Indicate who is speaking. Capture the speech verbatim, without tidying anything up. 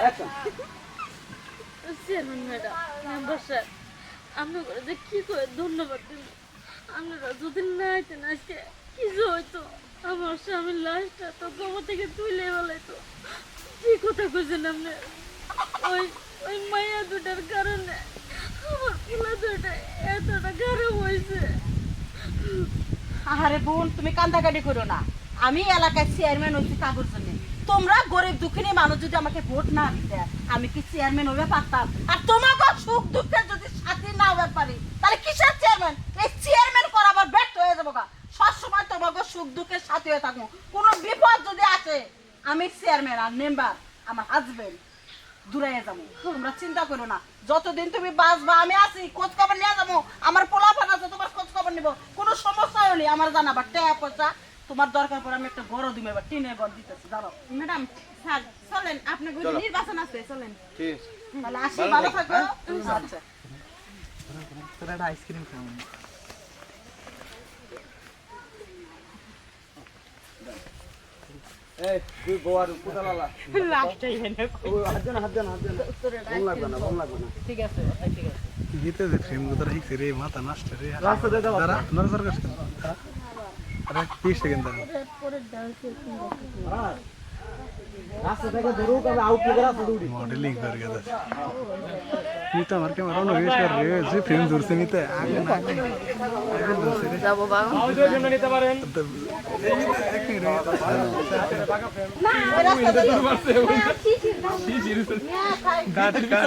Speaker 1: Chairman madam, member sir, আপনার যে কি করে ধন্যবাদ দিন। আপনারা যদি না আইতেন আজকে কিছু হইতো, আমার স্বামীর লাশটা তো কবর থেকে তুলে বেলাইতো। কি কথা কইছেন আপনি? ওই ওই মায়া দুটার কারণে আমার পোলা দুটা এতটা খারাপ হয়েছে।
Speaker 2: আরে বোন, তুমি কান্দাকাটি করো না। আমি এলাকায় চেয়ারম্যান হয়েছি কাগজ জন্য। তোমরা গরিব দুঃখিনী মানুষ যদি আমাকে ভোট না দিতে, আমি কি চেয়ারম্যান হয়ে পারতাম? আর তোমাকে সুখ দুঃখের যদি সাথী না হয়ে পারি, তাহলে কিসের চেয়ারম্যান? এই চেয়ারম্যান করাবার ব্যর্থ হয়ে যাবো গা। সবসময় তোমাকে সুখ দুঃখের সাথী হয়ে থাকবো। কোনো বিপদ যদি আসে, আমি চেয়ারম্যান আর মেম্বার আমার হাজবেন্ড দূরে যাবো। তোমরা চিন্তা করো না, যতদিন তুমি বাঁচবা আমি আছি, খোঁজ খবর নিয়ে যাবো। আমার পোলাপান আছে, তোমার খোঁজ খবর নিবো। কোনো সমস্যা হলে আমার জানাবা। টাকা পয়সা তোমার দরকার পড়ে আমি একটা বড় দিমে বা টিনের ঘর দিতেছি। দাঁড়াও
Speaker 3: ম্যাডাম, স্যার চলেন, আপনার ঘরে নির্বাচন আছে, চলেন।
Speaker 4: ঠিক আছে।
Speaker 2: তাহলে আসি, ভালো থাকো। আচ্ছা,
Speaker 5: তোরা একটা আইসক্রিম খাও।
Speaker 4: এই দুই গোয়ার কোদালালা
Speaker 2: লাস্টটাই এনে
Speaker 4: ও হাত দেন হাত দেন হাত দেন বম লাগবে না বম লাগবে না
Speaker 2: ঠিক আছে, ঠিক আছে।
Speaker 5: গীতে যে ফ্রেম গুলো রাখছে রে, মাথা নষ্ট রে।
Speaker 4: রাস্তা দিয়ে দাও
Speaker 5: দাঁড়া, নজর কাজ কর। আরে বিশ সেকেন্ড দাঁড়া।
Speaker 4: রাস্তা থেকে ধরু কবে আউট করে রাস্তা দৌড়ি
Speaker 5: মডেলিং করে গেছে। তুই তো আমার ক্যামেরা অন বেশ কর রে, যে ফ্রেম ধরছে নিতে আগে না আগে ধরছে রে।
Speaker 2: যাবো বাবা।
Speaker 4: আউটের জন্য নিতে পারেন
Speaker 5: এক মিনিট
Speaker 2: না, রাস্তা দিয়ে
Speaker 4: শিশির
Speaker 2: না, খাই।
Speaker 5: দাঁড়া